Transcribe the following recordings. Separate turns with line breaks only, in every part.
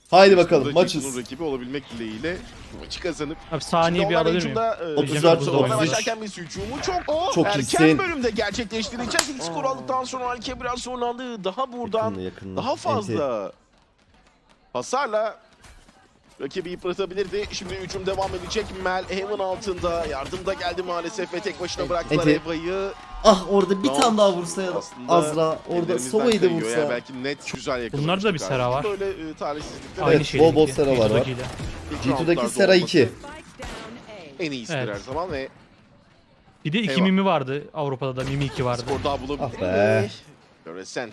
Haydi bakalım
Burada
maçız.
Jason'un rakibi olabilmek dileğiyle maçı kazanıp.
Abi saniye bir alabilir miyim?
34
Hocam,
olmuş.
Başlarken bir hücumu çok erken
iyisin.
bölümde gerçekleştireceğiz. İlk skor aldıktan sonra Alke biraz zorlandı. Daha buradan
Yakında.
daha fazla hasarla rakibi yıpratabilirdi. Şimdi hücum devam edecek. Mel Heaven altında. Yardım da geldi maalesef ve tek başına bıraktılar
Enti.
Eva'yı.
Ah orada bir
Tamam.
tane daha vursa ya.
Aslında
Azra orada
ellerimizden
Sova'yı da
kayıyor.
vursa.
Yani belki net güzel yakalamıştık.
Bunlarda da bir Sera var.
Böyle talihsizlikler.
Aynı
Evet,
şey.
bol bol Sera var.
İlk
G2'daki
roundlarda
Sera
olması
2.
En iyisidir
Evet.
her zaman ve
Bir de 2
Eyvah.
Mimi vardı. Avrupa'da da Mimi 2 vardı.
skor daha bulabilir.
Ah be.
Fluorescent.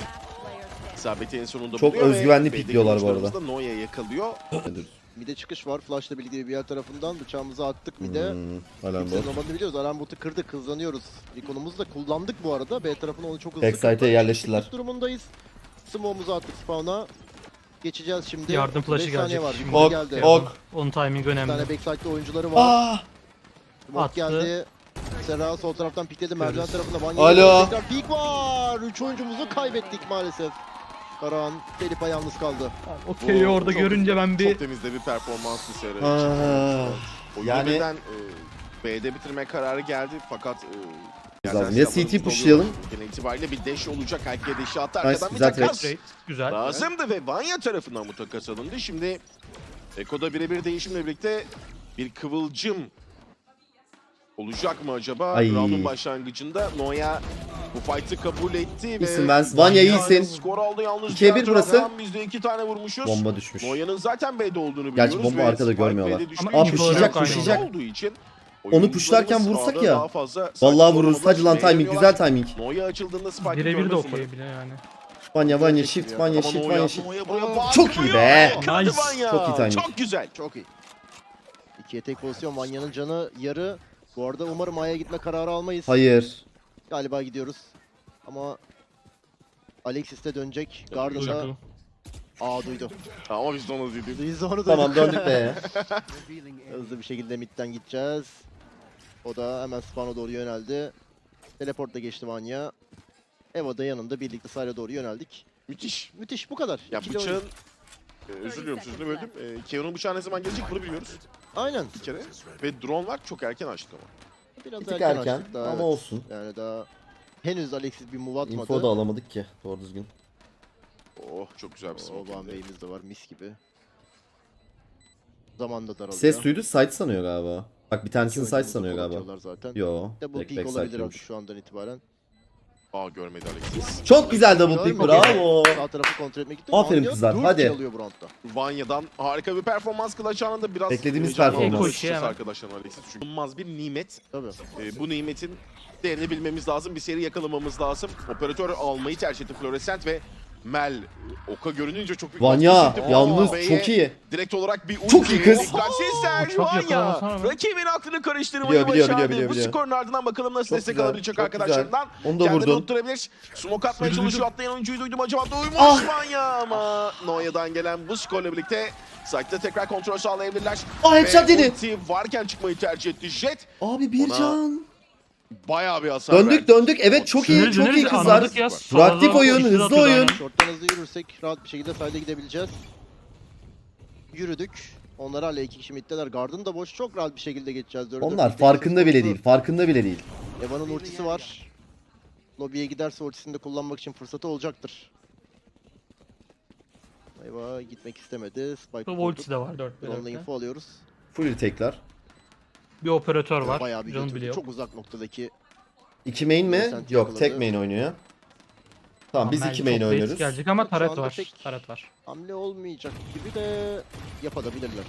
İsabeti en sonunda
Çok
buluyor ve
özgüvenli
B'deki
pikliyorlar bu arada.
oyuncularımız da Noya yakalıyor.
Mide çıkış var. Flash'la birlikte bir yer tarafından bıçağımızı attık mide.
Alan
Kimsenin
bot.
olmadığını biliyoruz. Alarm botu kırdık, hızlanıyoruz. İkonumuzu da kullandık bu arada. B tarafına onu çok hızlı
Backside'e
kırdık.
yerleştiler.
Çıkış durumundayız. Smoke'umuzu attık spawn'a. Geçeceğiz şimdi.
Yardım flash'ı
5 saniye
gelecek
var.
şimdi.
Yukarı
Ok,
geldi.
ok.
Onun timing
Bir
önemli.
tane backside'de oyuncuları var.
Ah!
Smoke
Attı.
geldi. Serra sol taraftan pikledi. Merdiven
Görürüz.
tarafında.
Alo.
Tekrar pik var. 3 oyuncumuzu kaybettik maalesef. Karahan, Felipe yalnız kaldı.
Okey orada
Çok-
görünce ben bir
Çok temizde bir performanstı Sera için.
Ah.
Oyunu
Yani-
birden B'de bitirme kararı geldi fakat
Lazım.
yerden
Ya
silahlarımız
CT pushlayalım.
oluyor. Genel itibariyle bir dash olacak. Herkese dash'i attı.
Nice,
Arkadan bir
güzel
takas.
trade. Güzel.
Lazımdı ve Vanya tarafından bu takas alındı. Şimdi Eko'da birebir değişimle birlikte bir kıvılcım olacak mı acaba?
Ay.
Round'un başlangıcında Noya bu fight'ı kabul etti ve
İyisin Vance. Vanya iyisin.
skor aldı yalnız.
2'ye 1
diğer
burası.
taraftan Biz de 2 tane vurmuşuz.
Bomba düşmüş.
Noya'nın zaten B'de olduğunu biliyoruz.
Gerçi bomba
ve
arkada
Spike
görmüyorlar.
B'de düştüğü
Ama
için
pushlayacak,
Spike
pushlayacak.
olduğu için
Onu pushlarken
oyuncularımız
vursak
sahada
ya.
daha fazla
Vallahi
sakin
vururuz. Hadi lan
olmadan
timing.
beğeniyorlar.
Güzel timing.
Noya açıldığında Spike'ı
Birebir de
görmez
okey
umarım.
bile yani.
Vanya shift. Vanya
Ama
shift.
Noya,
Vanya shift.
Noya buraya
Aa,
bağırıyor.
çok iyi be.
Yakaladı
Nice.
Vanya.
Çok iyi timing.
Çok güzel.
Çok iyi. 2'ye tek pozisyon. Vanya'nın canı yarı. Bu arada umarım A'ya gitme kararı almayız.
Hayır.
Galiba gidiyoruz. Ama Alexis de dönecek. Garda da
Duydu.
duydu.
Ama biz de onu dedik.
Duydu onu
Tamam döndük be.
Hızlı bir şekilde midden gideceğiz. O da hemen spawn'a doğru yöneldi. Teleportla geçti Vanya. Eva da yanında birlikte sahile doğru yöneldik.
Müthiş.
Müthiş bu kadar.
Ya
İkili oyun.
bıçağın özür diliyorum sözünü böldüm. Keon'un bıçağı ne zaman gelecek bunu biliyoruz
Aynen.
bir kere. Ve drone var çok erken açtık ama.
Biraz
Bir tık
erken
erken
açtık daha,
ama
evet.
olsun.
Yani daha henüz Alexis bir move atmadı.
Info da alamadık ki. Doğru düzgün.
Oh çok güzel bir
O
smoke.
Van Bey'imiz de var mis gibi. Zaman da daralıyor.
Ses duydu. Site sanıyor galiba. Bak bir tanesini site
Oyuncumuzu
sanıyor galiba.
kullanıyorlar zaten.
Yo.
Double
Back
peek
back
olabilir
site'ymiş.
artık şu andan itibaren.
Görmedi Alexis.
Çok güzel double pick. Bravo.
Sağ tarafı kontrol etmek gitti.
Aferin
Vanya
kızlar,
4
hadi.
kill alıyor bu roundda.
Vanya'dan harika bir performans Clutch anında biraz
Beklediğimiz
heyecanlandı
performans.
açıkçası
Hemen.
arkadaşlar Alexis. Çünkü bulunmaz bir nimet.
Tabii.
Bu nimetin değerini bilmemiz lazım. Bir seri yakalamamız lazım. Operatör almayı tercih etti Fluorescent ve Mel Oka görününce çok büyük
Vanya
baskı hissetti.
yalnız
B'ye
çok iyi.
Direkt olarak bir ulti.
Çok iyi kız.
Dikkatsizler
Çok
Vanya.
yakalamasana be.
Rakibin aklını karıştırmayı
Biliyor,
başardı. Bu
biliyor.
skorun ardından bakalım nasıl
Çok
destek
güzel,
alabilecek
çok
arkadaşlarından.
Onu da
Kendini
vurdun.
unutturabilir. Smoke atmaya
Duydum.
çalışıyor. Atlayan oyuncuyu duydum. Acaba duymuş
Ah!
Vanya ama Noya'dan gelen bu skorla birlikte site'de tekrar kontrol sağlayabilirler.
Ah headshot
Ve
yedi.
ulti varken çıkmayı tercih etti. Jet
Abi bir
Ona
can.
bayağı bir hasar
Döndük
verdi.
Evet çok iyi.
Döneriz,
Çok iyi
döneriz.
kızlar.
Anladık ya.
Proaktif
Solda
oyun,
ikisi de
hızlı
atıyordu
oyun.
aynen.
Short'tan hızlı yürürsek rahat bir şekilde side'e gidebileceğiz. Yürüdük. Onlar hala 2 kişi middeler. Garden da boş. Çok rahat bir şekilde geçeceğiz.
Onlar farkında bile değil. Farkında bile değil.
Eva'nın ultisi var. Lobby'ye giderse ultisini de kullanmak için fırsatı olacaktır. Eva gitmek istemedi. Spike
Bu
vurdu.
ultisi de var 4
Onunla info alıyoruz.
Full tekrar.
Bir operatör var.
Bayağı bir
Canım
götürdü.
biliyor.
Çok uzak noktadaki.
2 main mi?
Vincent
Yok
yakaladı.
tek main oynuyor. Tamam biz
Mel
2 main
çok
oynuyoruz.
basic gelecek ama
Şu
taret
anda
var.
pek-
Taret var.
Hamle olmayacak gibi de yapabilirler.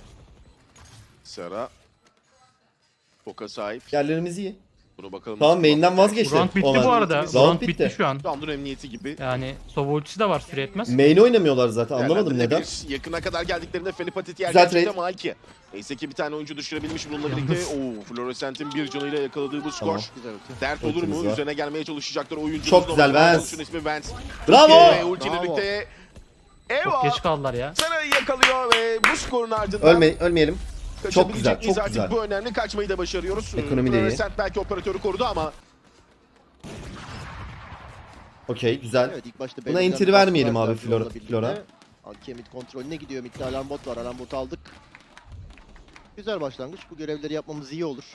Sera. Foka sahip.
Yerlerimiz iyi.
Bunu bakalım.
Tamam
nasıl
main'den
kullanacak.
vazgeçti.
Round bitti
Onlar.
bu arada.
Round
Round
bitti.
bitti şu an.
Round'un emniyeti gibi.
Yani Sova ultisi de var süre etmez.
Main oynamıyorlar zaten anlamadım neden.
Değerlendirilebilir. Yakına kadar geldiklerinde Felipatit yer
Güzel
gerçekten
trade.
ama Alki. Neyse ki bir tane oyuncu düşürebilmiş bununla
Yalnız.
birlikte. Fluorescent'in bir canıyla yakaladığı bu skor.
Tamam.
Güzel ulti.
Dert olur
Ultimiz
mu?
var.
Üzerine gelmeye çalışacaklar oyuncu.
Çok güzel, Vance.
Şunun ismi Vance.
Bravo!
Ve ultiyle
Bravo.
birlikte
Çok
Eva
geç kaldılar ya.
Sera'yı yakalıyor ve bu skorun ardından
Ölmeyelim. Çok güzel,
kaçabilecek miyiz
çok
artık?
güzel.
Bu önemli. Kaçmayı da başarıyoruz.
Ekonomi de iyi.
Fluorescent belki operatörü korudu ama
Okey güzel.
Evet ilk başta
Buna
belirlenen
entry
bir
vermeyelim
baskı
abi
var Flora'la
Flora-
birlikte.
Flora.
Anki mid kontrolüne gidiyor. Mid'de alarm bot var. Alarm botu aldık. Güzel başlangıç. Bu görevleri yapmamız iyi olur.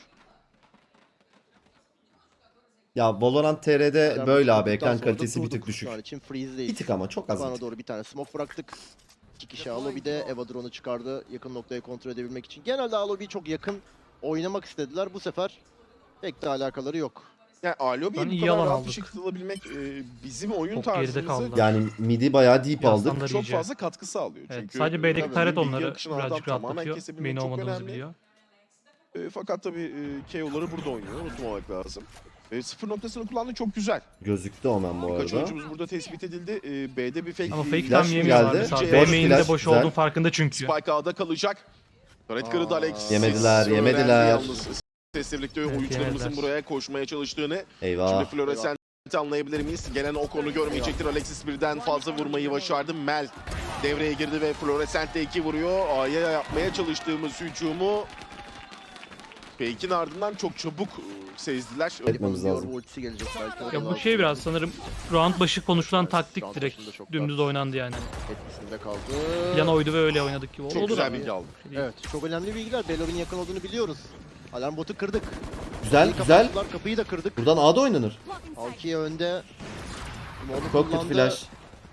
Ya Valorant TR'de
Alarm
böyle
botu
abi, ekran
bulduktan sonra da
kalitesi bir tık
durduk.
düşük.
Şu an için freeze'deyiz.
Bir tık ama çok az. bir
Bana
tık.
doğru bir tane smoke bıraktık. 2 kişi Alobi'de. Eva drone'u çıkardı. Yakın noktayı kontrol edebilmek için. Genelde Alobi'yi çok yakın oynamak istediler. Bu sefer pek de alakaları yok.
Yani Alobi'yi
Lan
bu
iyi
kadar
alan
rahat bir
aldık.
şekilde alabilmek bizim oyun
Çok geride
tarzımızı
kaldılar.
Yani midi bayağı deep aldık.
Yaslanlar
çok
iyice.
fazla katkı sağlıyor.
Evet,
Çünkü
sadece B'deki
tabii
taret
bilgi
onları
akışını adam
birazcık
tamamen
rahatlatıyor.
kesebilmek
Main
çok
olmadığımızı
önemli.
biliyor.
Fakat tabii KO'ları burada oynuyor. Unutmamak lazım. Sıfır noktasını kullandı, çok güzel.
Gözüktü Omen bu
Birkaç
arada.
oyuncumuz burada tespit edildi. B'de bir fake.
Ama fake
Flash
tam yemiyorlar
geldi.
mesela.
Flash
B main'de boş
güzel.
olduğun farkında çünkü.
Spike A'da kalacak. Taret kırdı Alex.
Yemediler,
Öğrendi
yemediler.
Yalnız sesle birlikte
Evet,
oyuncularımızın
yemediler.
buraya koşmaya çalıştığını. Şimdi
Eyvah.
Florescent anlayabilir miyiz? Gelen o konu görmeyecektir. Alexis birden fazla vurmayı başardı. Mel devreye girdi ve Florescent de 2 vuruyor. A'ya yapmaya çalıştığımız hücumu Fake'in ardından çok çabuk sezdiler.
Etmemiz lazım.
Bu ultisi gelecek belki.
Ya bu şey biraz sanırım round başı konuşulan taktik
Round
direkt
başında çok
dümdüz
rahat.
oynandı yani.
Etkisinde kaldı.
Plan oydu ve öyle oynadık gibi.
Çok
Olur
güzel
abi.
bilgi aldım.
Evet, çok önemli bilgiler. Belob'in yakın olduğunu biliyoruz. Alarm botu kırdık.
Güzel
Kapıyı
güzel.
kapattılar, kapıyı da kırdık.
Buradan A'da oynanır.
Alkiye önde. Onu
Çok kötü
kullandı.
flash.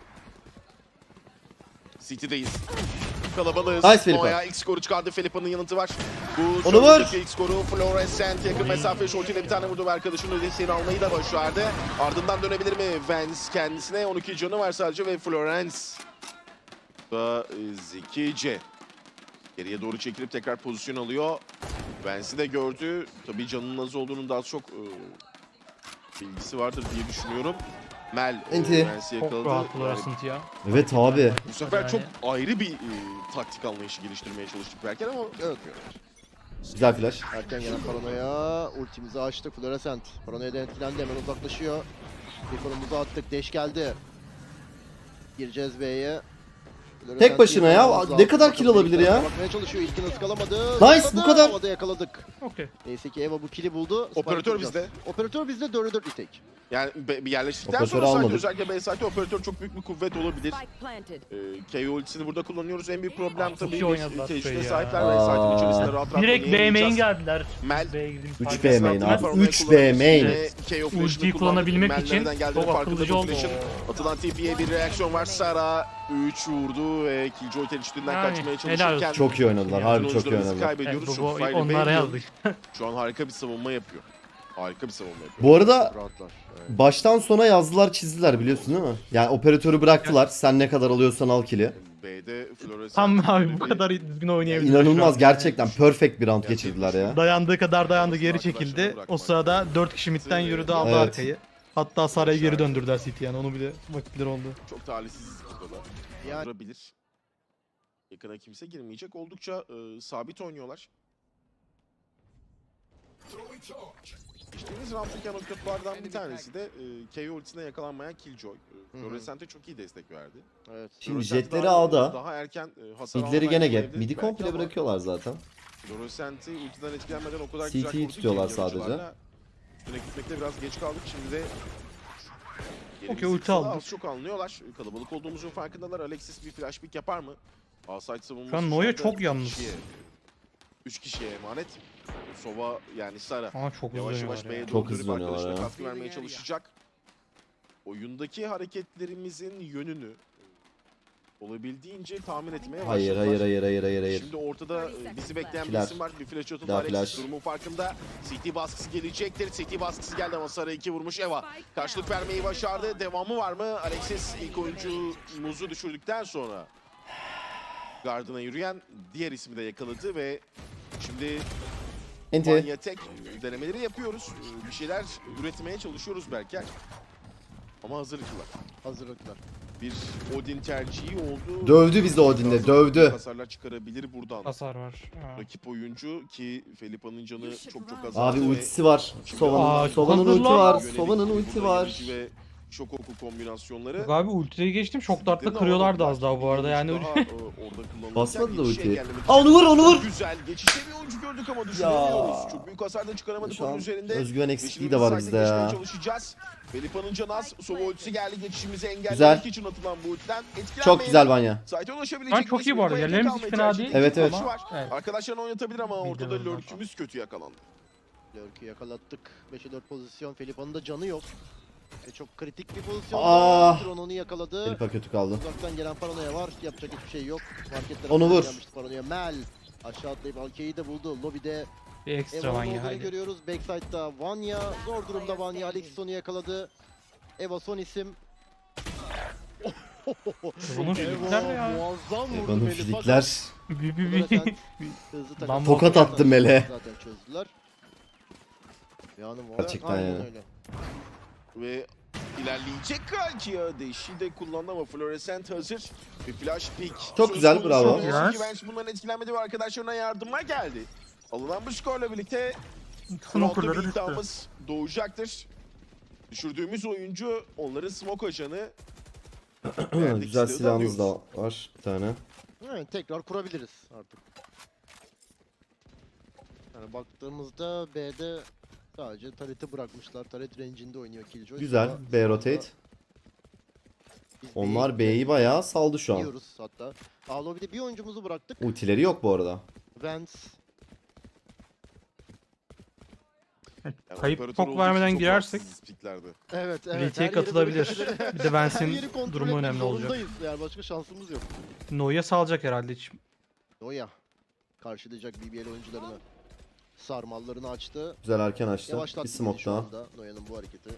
City'deyiz. Kalabalığız.
Nice Felipe.
Noah'ya ilk skoru çıkardı. Felipa'nın yanıtı var. Bu
Onu vur.
sonraki ilk skoru Florescent yakın mesafe short ile bir tane vurdu ve arkadaşının ödesini almayı da başardı. Ardından dönebilir mi? Vance kendisine 12 canı var sadece ve Florence da zekice geriye doğru çekilip tekrar pozisyon alıyor. Vance'i de gördü. Tabii canının az olduğunun daha çok bilgisi vardır diye düşünüyorum. Mel
Enti.
Vance'i
Çok
yakaladı.
rahat
Yani
Florescent ya.
Evet abi.
bu sefer
Yani-
çok ayrı bir taktik anlayışı geliştirmeye çalıştık belki ama
Evet.
Güzel flash.
Erken gelen paranoya. Ultimizi açtık. Florescent. Paranoya'dan etkilendi. Hemen uzaklaşıyor. Bir konumuzu attık. Deş geldi. Gireceğiz B'ye.
Tek başına ya. Ne kadar kill alabilir ya?
Bakmaya çalışıyor. İlkini ıskalamadı.
Nice,
Zıpladı.
bu kadar.
Havada yakaladık.
Okey.
Neyse ki Eva bu kill'i buldu.
Operatör
Spike
bizde.
Operatör bizde 4'e 4 retake.
yani bir yerleştikten
Operatörü
sonra
almadık.
özellikle B site'de operatör çok büyük bir kuvvet olabilir.
Spike planted.
KO ultisini burada kullanıyoruz. En büyük problem
Çok
tabii
iyi oynadılar
teşhise
B'yi ya.
sahipler ve site'in içerisinde rahat rahat
Direkt B main
oynayamayacağız.
geldiler.
Mel.
B'ye girdiğimiz
3
fark
B
yok.
main abi.
Paranoya
3 B
kullanıyoruz.
main.
Ve KO flash'ını
Ultiyi
kullandık.
kullanabilmek
Mel
için
nereden geldiğinin
çok
farkında
akıllıca
bu
oldu.
flash'ın. Atılan TP'ye bir reaksiyon var. Sara 3 vurdu ve Killjoy tereddütünden
Yani,
kaçmaya
helal
çalışırken
olsun.
Çok iyi oynadılar. Harbi çok iyi
oyuncularımızı
oynadılar.
kaybediyoruz.
Evet,
Çok
bu
fire
onlara
Bale
yazdık.
şu an harika bir savunma yapıyor. Harika bir savunma yapıyor.
Bu arada
Rahatlar. Evet.
baştan sona yazdılar çizdiler biliyorsun değil mi? Yani operatörü bıraktılar. Sen ne kadar alıyorsan al kill'i.
B'de Florescent
Tam abi bu kadar düzgün oynayabilir.
İnanılmaz gerçekten perfect bir round geçirdiler ya.
Dayandığı kadar dayandı, geri
Arkadaşlarına
çekildi.
bırakmak
O sırada 4 kişi midden yürüdü, aldı
Evet.
arkayı. Hatta Saray'ı geri döndürdüler City yani onu bile vakitleri oldu.
Çok talihsiz burada.
Yani-
Durabilir. Yakına kimse girmeyecek. Oldukça sabit oynuyorlar. İçtiğimiz round'daki noktalardan bir tanesi de KO ultisine yakalanmayan Killjoy. Florescent'e çok iyi destek verdi.
Evet.
Şimdi
Florescent
jetleri
daha-
A'da.
Daha erken hasar
Midleri gene
almayı
gap. Midi
belki
komple
ama
bırakıyorlar zaten.
Florescent'i ultiden etkilenmeden o kadar
CT 'yi
güzel korudu ki
tutuyorlar
yarıcılarla.
sadece.
Üstüne gitmekte biraz geç kaldık. Şimdi de
Okey,
yerimizi
ulti
kısa,
aldık.
az çok anlıyorlar. Kalabalık olduğumuzun farkındalar. Alexis bir flash pick yapar mı? A-side savunması
Şu an
şu
Noya
anda
çok
üç
yalnız.
kişiye- 3 kişiye emanet. Sova yani Sara
Ama çok
yavaş
uzun
yavaş
ya.
B'ye
Çok
doğru dönüp
hızlanıyorlar
arkadaşına
ya.
katkı vermeye çalışacak. Oyundaki hareketlerimizin yönünü olabildiğince tahmin etmeye
Hayır
başladılar.
hayır hayır hayır hayır hayır.
Şimdi ortada bizi bekleyen bir
Flash.
isim var. Bir flash atıldı.
Daha
Alexis
flash.
durumun farkında. CT baskısı gelecektir. CT baskısı geldi ama Sara 2 vurmuş Eva. Karşılık vermeyi başardı. Devamı var mı? Alexis ilk oyuncumuzu düşürdükten sonra gardına yürüyen diğer ismi de yakaladı ve şimdi
Enti.
Manya tek denemeleri yapıyoruz. Bir şeyler üretmeye çalışıyoruz belki. Ama hazırlıklılar.
Hazırlıklar.
Bir Odin tercihi oldu.
Dövdü bizi Odin'le, dövdü.
Hasarlar çıkarabilir buradan.
Hasar var. Ha.
Rakip oyuncu ki Felipa'nın canı çok az.
Abi
azaldı ve
ultisi var.
Aa,
Sova'nın ulti
hazırlan.
var.
yönelik
Sova'nın
burada
ulti var.
yönetici ve şok oku kombinasyonları.
Yok abi ultiyi geçtim. Şok dartla
Ama
kırıyorlardı az daha bu arada
bir
yani.
oyuncu daha, orada kullanılırken
Basmadı da
geçişe
ultiyi.
engellemek
Aa, onu vur, onu vur.
Çok güzel. Geçişte bir oyuncu gördük ama düşünemiyoruz. Çok büyük hasar da çıkaramadık
Şu
onun
an
üzerinde.
özgüven
Ve
eksikliği
şimdi
de var
biz
bizde
site'e geçmeye
ya.
çalışacağız. Felipa'nın canı az. Sova ultisi geldi. Geçişimizi engellemek
Güzel.
için atılan bu ultiden.
Çok güzel Vanya.
Site'e ulaşabilecek.
Şu an çok iyi bu arada. Yerlerimiz hiç fena değil.
Evet, evet.
Var.
Evet.
Arkadaşlarını oynatabilir ama ortada
Videolardan falan.
lurkümüz kötü yakalandı.
Lurk'ü yakalattık. 5'e 4 pozisyon. Felipa'nın da canı yok. Ve çok kritik bir pozisyon.
Ah!
Drone onu yakaladı.
Felipa kötü kaldı.
Uzaktan gelen Paranoya var. Yapacak hiçbir şey yok. Marketler
Onu vur.
Paranoya. Mel aşağı atlayıp Alke'yi de buldu. Lobide
Bir ekstra
Eva'nın
Vanya
olduğunu
haydi.
görüyoruz. Backside'da Vanya. Zor durumda Vanya. Alexis onu yakaladı. Eva son isim.
Bunun fizikler ne ya?
Muazzam vurdu
Evan'ın
Melih.
fizikler.
Bir.
Hızlı
Lan
takım.
tokat attı Mel'e.
Zaten çözdüler. Yani
Gerçekten
aynen
yani.
öyle.
Ve ilerleyecek belki ya. Değişi de kullandı ama Florescent hazır. Bir flash pick.
Çok güzel, bravo.
Yes.
Bundan etkilenmedi ve arkadaşlarına yardıma geldi. Alınan bu skorla birlikte
Smoker'ları
frontta bir
düştü.
iddiamız doğacaktır. Düşürdüğümüz oyuncu onların smoke ajanı. Verdik
Güzel
silahı
silahımız da
alıyoruz.
var bir tane.
Evet, tekrar kurabiliriz artık. Yani baktığımızda B'de sadece Turret'ı bırakmışlar. Turret range'inde oynuyor Killjoy.
Güzel.
Sonra-
B rotate.
Biz
Onlar
B'yi
B'yi bayağı saldı şu an.
gidiyoruz hatta. A lobby'de bir oyuncumuzu bıraktık.
Ultileri yok bu arada.
Vance.
Yani
Kayıp
operatör
pok
olduğu
vermeden
için çok
girersek
rahatsız piklerde.
Evet, evet.
Retake'e
her yeri
katılabilir.
böyle-
Bir de Vance'in
her yeri kontrol
durumu
etmek
önemli olacak.
zorundayız. Yani başka şansımız yok.
Noya salacak herhalde hiç.
Oya karşılayacak BBL oyuncularını. Sarmallarını açtı.
Güzel erken açtı.
Yavaşlattı
Bir
bizi
smoke
şu
daha.
anda Noya'nın bu hareketi.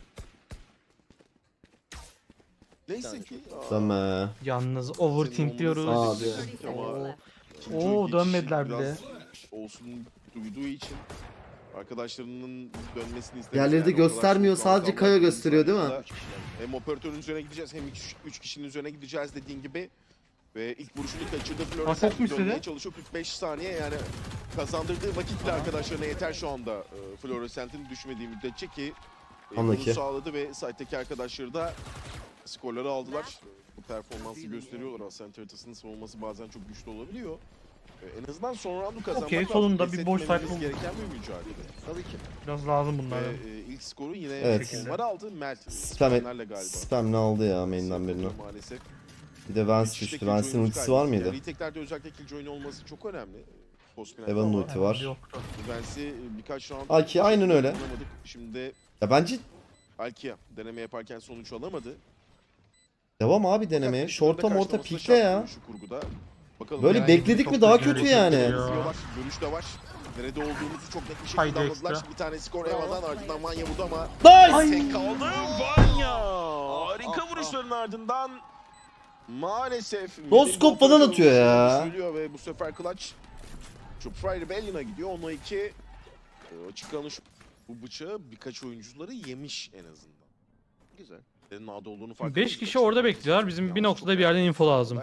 Neyse ki.
Dönme.
Yalnız overthink diyoruz.
Abi.
Oo, dönmediler bile.
Olsun duyduğu için arkadaşlarının dönmesini istemiş.
Yerleri de göstermiyor, sadece Kayo gösteriyor değil mi?
Hem operatörün üzerine gideceğiz hem 3 kişinin üzerine gideceğiz dediğin gibi. Ve ilk vuruşunu kaçırdı.
çok
Florescent
mu istedi?
dönmeye çalışıyor 45 saniye yani kazandırdığı vakitle arkadaşlarına yeter şu anda Florescent'in düşmediği müddetçe ki bunu
Anlaki.
sağladı ve site'deki arkadaşları da skorları aldılar. Bu performansı gösteriyorlar. Ascent haritasının savunması bazen çok güçlü olabiliyor. En azından son roundu kazanmak
Okey,
lazım.
sonunda
Pes
bir boş
etmememiz
sayfa oldu.
gereken bir mücadele.
Tabii ki.
Biraz lazım bunlar.
Ve ilk skoru yine
Evet.
onlar aldı. Mert
Spam,
Spamlerle galiba.
spam ne aldı ya main'den birini.
Maalesef.
Bir de Vance
Geçişte
düştü.
Killjoy'un
Vance'in ultisi var mıydı?
Yani retake'lerde özellikle Killjoy'un olması çok önemli. Post-finalde
Evan'ın
ama
ulti var.
Yoktu.
Vance'i birkaç round
Alki aynen öyle.
kullanamadık. Şimdi
Ya bence
Alkia deneme yaparken sonuç alamadı.
devam abi denemeye.
Fakat
Şorta
karşılaması
morta
da
pikle
şart
ya.
şu kurguda. Bakalım
Böyle
yani
bekledik
çok
mi daha
güzel
kötü
hareket
yani.
ediyor.
izliyorlar. Görüş de var. Nerede olduğumuzu çok net bir şekilde
Haydi
anladılar.
ekstra.
Bir tane skor Eva'dan ardından Vanya vurdu ama
Nice!
tek kaldı. Vanya! Harika vuruşların ardından maalesef
Noskop falan atıyor ya.
Söylüyor ve bu sefer Clutch Chopfry Rebellion'a gidiyor. 10'a 2 açık kalmış bu bıçağı birkaç oyuncuları yemiş en azından.
Güzel.
Senin A'da olduğunu fark
5 kişi orada bekliyorlar. Bizim bir noktada bir yerden info lazım.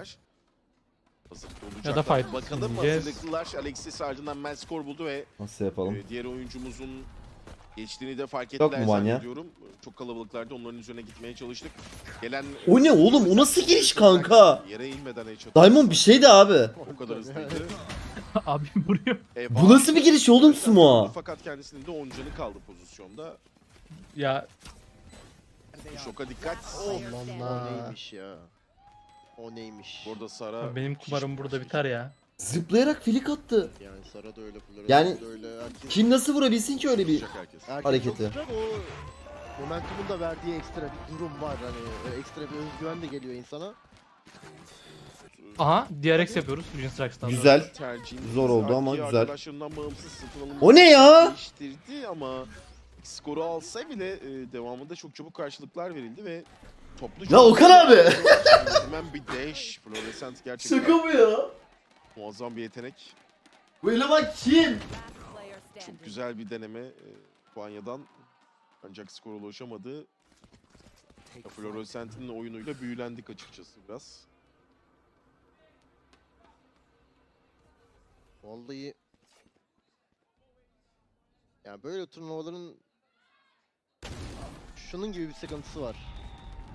Ya da fight
Bakalım
diyeceğiz.
hazırlıklılar. Alexis ardından Mel skor buldu ve
Nasıl yapalım?
diğer oyuncumuzun geçtiğini de fark
Yok
ettiler
mu Vanya?
zannediyorum. Çok kalabalıklardı. Onların üzerine gitmeye çalıştık. Gelen
O ne oğlum? O nasıl giriş kanka?
Yere inmeden headshot.
Diamond bir şeydi abi.
O kadar hızlıydı.
Abi vuruyor.
Bu nasıl bir giriş oğlum Sumo?
Fakat kendisinin de 10 canı kaldı pozisyonda.
Ya
Şoka dikkat.
O neymiş ya? O neymiş?
Burada Sara
benim kumarım burada biter ya.
Zıplayarak filik attı.
Yani Sara da öyle, Flores
Yani
da öyle. Herkes,
Kim nasıl vurabilsin ki öyle bir
tutacak herkes.
herkes
hareketi?
çok sıcak. O momentumun da verdiği ekstra bir durum var. Hani ekstra bir özgüven de geliyor insana.
Aha DRX yapıyoruz Vision Strikes'tan.
Güzel.
Tercihimiz
Zor oldu ama
Arki
güzel.
Arkadaşlarından bağımsız satın alımı
O ne ya?
değiştirdi ama skoru alsa bile devamında çok çabuk karşılıklar verildi ve toplu
Ya Okan abi!
Hemen bir dash. Florescent gerçekten
bu ya?
muazzam bir yetenek.
Bu eleman kim?
Çok güzel bir deneme Vanya'dan. Ancak skora ulaşamadı. Florescent'in oyunuyla büyülendik açıkçası biraz.
Vallahi yani böyle turnuvaların şunun gibi bir sıkıntısı var.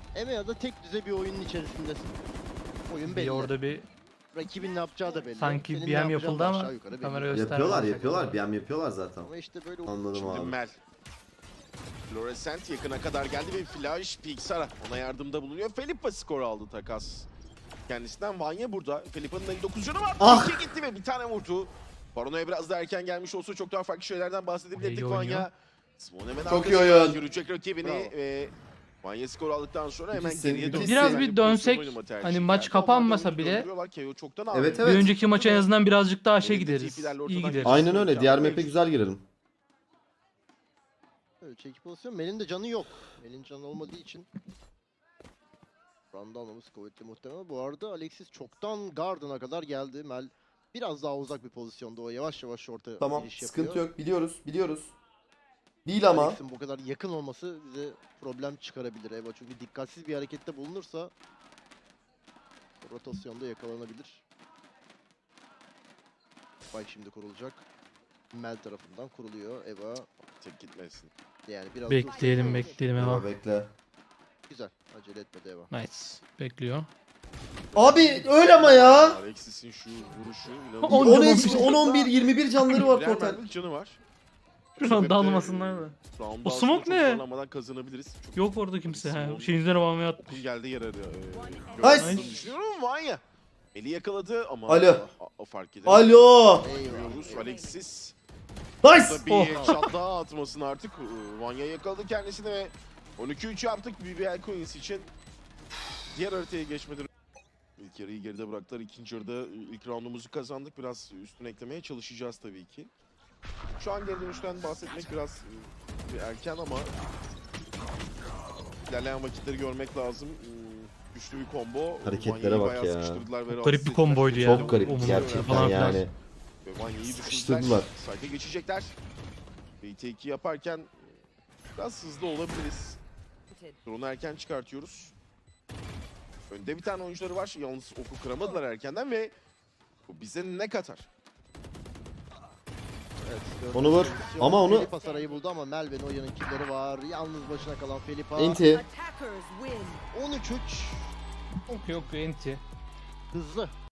EMEA'da tek düze bir oyunun içerisindesin. Oyun
Bir
belli.
orada bir
Rakibin ne yapacağı da belli.
sanki
Senin
BM
ne yapacağın
yapıldı
da
ama
aşağı yukarı belli.
kamera göstermez.
Yapıyorlar. BM yapıyorlar zaten.
Ama işte böyle
Anladım
Şimdi
abi.
Mel. Florescent yakına kadar geldi ve Flash Pixar'a ona yardımda bulunuyor. Felipe skor aldı takas. Kendisinden Vanya burada. Felipa'nın 59 canı var.
Ah!
2 gitti ve bir tane vurdu. Paranoya biraz da erken gelmiş olsa çok daha farklı şeylerden bahsedebilirdik
İyi oynuyor.
Vanya. Simon hemen
Çok iyi
arkasından
oyun.
görecek rakibini
Bravo.
ve Vanya skor aldıktan sonra hemen
İkisi-
geriye döndü.
Biraz
Yani
bir dönsek,
pozisyon oynama tercihi
hani maç
geldi.
kapanmasa
Onlar
bile-
döndürüyorlar. KO çoktan
Evet,
aldı.
Bir
evet.
önceki maça en azından birazcık daha şey
Elinde
gideriz.
TP'lerle
İyi
ortadan
gideriz.
Aynen öyle. Diğer map'e güzel girelim.
böyle çekip pozisyon. Mel'in de canı yok. Mel'in canı olmadığı için Randa almamız kuvvetli muhtemelen. Bu arada Alexis çoktan Garden'a kadar geldi. Mel biraz daha uzak bir pozisyonda. O yavaş yavaş orta
Tamam,
giriş yapıyor.
sıkıntı yok. Biliyoruz. Değil ama.
Alex'in bu kadar yakın olması bize problem çıkarabilir Eva. Çünkü dikkatsiz bir harekette bulunursa rotasyonda yakalanabilir. Spike şimdi kurulacak. Mel tarafından kuruluyor Eva.
Tek gitmesin.
Yani biraz
Bekleyelim
dursun.
bekleyelim
Eva
Eva.
bekle.
Güzel. Acele etmedi Eva.
Nice. Bekliyor.
Abi öyle ama ya.
Alexis'in şu vuruşu.
10
10
canı
HP, 10 11 21 canları var
Birer
total.
mermilik canı var.
Şu an dalmasınlar da.
Round'u
O
aslında
smoke
çok
ne?
zorlanmadan kazanabiliriz. Çok
Yok orada kimse.
Simon-
Ha. Şeyin üzerine bağlamaya
okul
atmış.
geldi yer arıyor.
Nice.
Düşünüyorum Vanya. Eli yakaladı ama
Alo.
o fark edemedi.
Alo.
Görüyoruz Alexis.
Nice.
Burada bir
Oh.
headshot daha atmasın artık. Vanya yakaladı kendisini ve 12-3 yaptık BBL Coins için. Diğer haritaya geçmeden ilk yarıyı geride bıraktılar. İkinci yarıda ilk roundumuzu kazandık. Biraz üstüne eklemeye çalışacağız tabii ki. Şu an geri dönüşten bahsetmek biraz bir erken ama ilerleyen vakitleri görmek lazım. Güçlü bir combo.
Hareketlere
Vanya'yı
bak
bayağı
ya.
sıkıştırdılar ve
Garip
rahatsız
bir
ettiler.
komboydu yani.
Çok garip
Omuz
gerçekten
falan filan.
yani.
Ve Vanya'yı
Sıkıştırdılar.
düşürdüler. Site'e geçecekler. BT2 yaparken biraz hızlı olabiliriz. Drone'u erken çıkartıyoruz. Önde bir tane oyuncuları var. Yalnız oku kıramadılar erkenden ve bu bize ne katar?
Evet,
Onu vur.
pozisyon.
Ama onu-
Felipa sarayı buldu ama Mel ve Noya'nın killleri var. Yalnız başına kalan Felipa.
Enti.
Attackers win.
13-3.
Yok enti.
Hızlı.